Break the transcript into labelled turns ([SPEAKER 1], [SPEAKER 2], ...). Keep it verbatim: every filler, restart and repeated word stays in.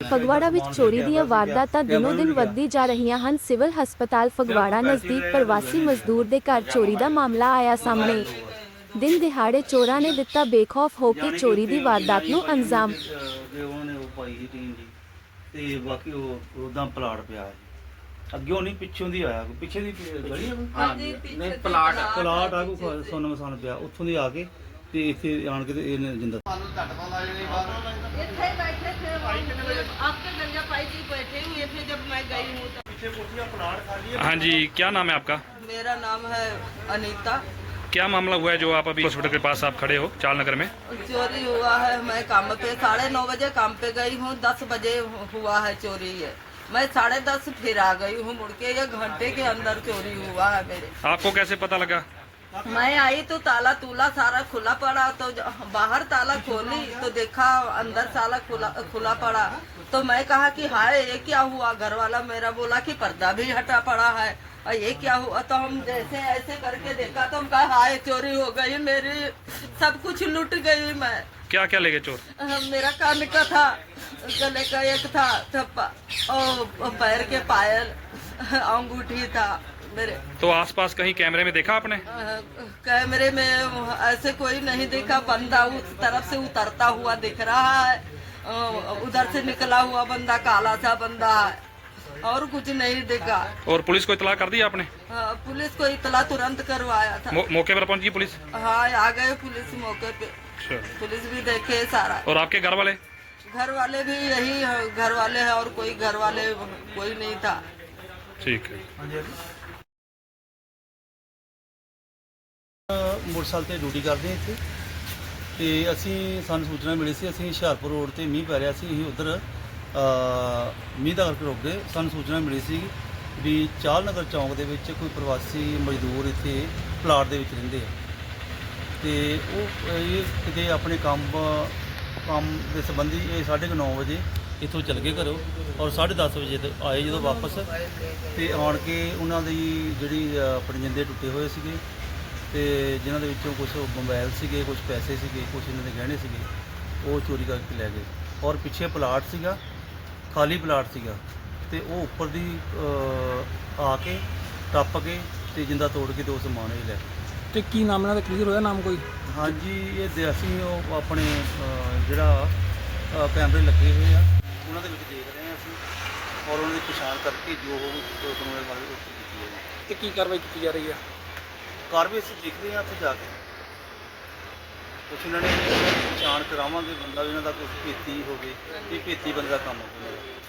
[SPEAKER 1] ਫਗਵਾੜਾ ਵਿੱਚ ਚੋਰੀ ਦੀਆਂ ਵਾਰਦਾਤਾਂ ਦਿਨੋਂ ਦਿਨ ਵੱਧਦੀ ਜਾ ਰਹੀਆਂ ਹਨ। ਸਿਵਲ ਹਸਪਤਾਲ ਫਗਵਾੜਾ ਨਜ਼ਦੀਕ ਪ੍ਰਵਾਸੀ ਮਜ਼ਦੂਰ ਦੇ ਘਰ ਚੋਰੀ ਦਾ ਮਾਮਲਾ ਆਇਆ ਸਾਹਮਣੇ। ਦਿਨ ਦਿਹਾੜੇ ਚੋਰਾਂ ਨੇ ਦਿੱਤਾ ਬੇਖੌਫ ਹੋ ਕੇ ਚੋਰੀ ਦੀ ਵਾਰਦਾਤ ਨੂੰ ਅੰਜਾਮ।
[SPEAKER 2] ਉਹਨਾਂ ਨੇ ਉਹ ਪਾਈ ਸੀ ਟੀਮ ਦੀ ਤੇ ਬਾਕੀ ਉਹ ਉਦਾਂ ਪਲਾਟ ਪਿਆ ਅੱਗੇ ਨਹੀਂ ਪਿੱਛੋਂ ਦੀ ਆਇਆ ਪਿੱਛੇ ਦੀ ਗਲੀ
[SPEAKER 3] ਹਾਂ ਨਹੀਂ ਪਲਾਟ
[SPEAKER 2] ਪਲਾਟ ਆ ਕੋ ਸੋਨ ਮਸਾਨ ਪਿਆ ਉੱਥੋਂ ਦੀ ਆ ਕੇ ਤੇ ਇੱਥੇ ਆਣ ਕੇ ਤੇ ਇਹਨੇ ਜਿੰਦਾ
[SPEAKER 3] ਇੱਥੇ ਬੈਠੇ ਥੇ आपके गंजा पाई जी बैठे हुए थे जब मैं गई हूँ तो
[SPEAKER 2] पीछे कोठियां प्लाट खाली है।
[SPEAKER 4] हाँ जी, क्या नाम है आपका?
[SPEAKER 3] मेरा नाम है अनीता।
[SPEAKER 4] क्या मामला हुआ है जो आप अभी हॉस्पिटल के पास आप खड़े हो चाल नगर में?
[SPEAKER 3] चोरी हुआ है। मैं काम पे साढ़े नौ बजे काम पे गई हूँ, दस बजे हुआ है चोरी है। मैं साढ़े दस फिर आ गई हूँ मुड़ के, एक घंटे के अंदर चोरी हुआ है मेरे।
[SPEAKER 4] आपको कैसे पता लगा?
[SPEAKER 3] मैं आई तो ताला तूला सारा खुला पड़ा, तो बाहर ताला खोली तो देखा अंदर ताला खुला खुला पड़ा। तो मैं कहा कि हाय ये क्या हुआ। घर वाला मेरा बोला कि पर्दा भी हटा पड़ा है और ये क्या हुआ। तो हम जैसे ऐसे करके देखा तो हम कहा हाय चोरी हो गई मेरी, सब कुछ लूट गई मैं।
[SPEAKER 4] क्या क्या ले गए चोर?
[SPEAKER 3] मेरा कान का था, गले का एक था थप्पा और पैर के पायल, अंगूठी था मेरे।
[SPEAKER 4] तो आसपास कहीं कैमरे में देखा आपने?
[SPEAKER 3] कैमरे में ऐसे कोई नहीं देखा। बंदा उस तरफ से उतरता हुआ दिख रहा है, उधर से निकला हुआ बंदा काला सा बंदा है और कुछ नहीं देखा।
[SPEAKER 4] और पुलिस को इतला कर दी आपने?
[SPEAKER 3] पुलिस को इतला तुरंत करवाया था।
[SPEAKER 4] मौ, मौके पर पहुंची पुलिस?
[SPEAKER 3] हाँ आ गए पुलिस मौके पे। पुलिस भी देखे सारा।
[SPEAKER 4] और आपके घर वाले?
[SPEAKER 3] घर वाले भी यही घर वाले हैं और कोई घर वाले कोई नहीं था।
[SPEAKER 4] ठीक है।
[SPEAKER 2] मोटरसाइकिल ਤੇ ਡਿਊਟੀ ਕਰਦੇ ਇੱਥੇ ਤੇ ਅਸੀਂ ਸਾਨੂੰ ਸੂਚਨਾ ਮਿਲੀ ਸੀ ਅਸੀਂ ਹੁਸ਼ਿਆਰਪੁਰ ਰੋਡ ਤੇ ਮੀਂਹ ਪੈ ਰਿਹਾ ਸੀ ਅਸੀਂ ਉਧਰ ਮੀਂਹ ਦਾ ਕਰਕੇ ਰੁਕ ਗਏ। ਸਾਨੂੰ ਸੂਚਨਾ ਮਿਲੀ ਸੀ ਵੀ ਚਾਲ ਨਗਰ ਚੌਂਕ ਦੇ ਵਿੱਚ ਕੋਈ ਪ੍ਰਵਾਸੀ ਮਜ਼ਦੂਰ ਇੱਥੇ ਪਲਾਟ ਦੇ ਵਿੱਚ ਰਹਿੰਦੇ ਆ ਤੇ ਉਹ ਇਹ ਕਿਤੇ ਆਪਣੇ ਕੰਮ ਕੰਮ ਦੇ ਸੰਬੰਧੀ ਇਹ ਸਾਢੇ ਕੁ ਨੌ ਵਜੇ ਇੱਥੋਂ ਚੱਲ ਗਏ ਘਰੋਂ ਔਰ ਸਾਢੇ ਦਸ ਵਜੇ ਤੇ ਆਏ ਜਦੋਂ ਵਾਪਸ ਤੇ ਆਣ ਕੇ ਉਹਨਾਂ ਦੀ ਜਿਹੜੀ ਆਪਣੇ ਜਿੰਦੇ ਟੁੱਟੇ ਹੋਏ ਸੀਗੇ ਤੇ ਜਿਨ੍ਹਾਂ ਦੇ ਵਿੱਚੋਂ ਕੁਝ ਮੋਬਾਈਲ ਸੀਗੇ, ਕੁਝ ਪੈਸੇ ਸੀਗੇ, ਕੁਝ ਇਹਨਾਂ ਦੇ ਗਹਿਣੇ ਸੀਗੇ ਉਹ ਚੋਰੀ ਕਰਕੇ ਲੈ ਗਏ। ਔਰ ਪਿੱਛੇ ਪਲਾਟ ਸੀਗਾ, ਖਾਲੀ ਪਲਾਟ ਸੀਗਾ ਤੇ ਉਹ ਉੱਪਰ ਦੀ ਆ ਕੇ ਟੱਪ ਕੇ ਤੇ ਜਿੰਦਾ ਤੋੜ ਕੇ ਤੇ ਉਹ ਸਮਾਨ ਹੀ ਲੈ ਗਏ।
[SPEAKER 5] ਤੇ ਕੀ ਨਾਮ ਇਹਨਾਂ ਦਾ ਕਲੀਅਰ ਹੋਇਆ ਨਾਮ ਕੋਈ?
[SPEAKER 2] ਹਾਂਜੀ ਇਹ ਅਸੀਂ ਉਹ ਆਪਣੇ ਜਿਹੜਾ ਕੈਮਰੇ ਲੱਗੇ ਹੋਏ ਆ ਉਹਨਾਂ ਦੇ ਵਿੱਚ ਦੇਖ ਰਹੇ ਹਾਂ ਅਸੀਂ ਔਰ ਉਹਨਾਂ ਦੀ ਪਛਾਣ ਕਰਕੇ ਜੋ ਕਾਨੂੰਨ ਵਾਲੇ ਉਹ ਕੀਤੀ ਹੈ।
[SPEAKER 5] ਤੇ ਕੀ ਕਾਰਵਾਈ ਕੀਤੀ ਜਾ ਰਹੀ ਹੈ?
[SPEAKER 2] ਕਾਰਵਾਈ ਅਸੀਂ ਦੇਖਦੇ ਹਾਂ ਉੱਥੇ ਜਾ ਕੇ ਕੁਛ ਇਹਨਾਂ ਨੇ ਪਛਾਣ ਕਰਾਵਾਂਗੇ ਬੰਦਾ ਵੀ ਇਹਨਾਂ ਦਾ ਕੋਈ ਭੇਤੀ ਹੋਵੇ ਇਹ ਭੇਤੀ ਬੰਦੇ ਦਾ ਕੰਮ ਹੋਵੇ।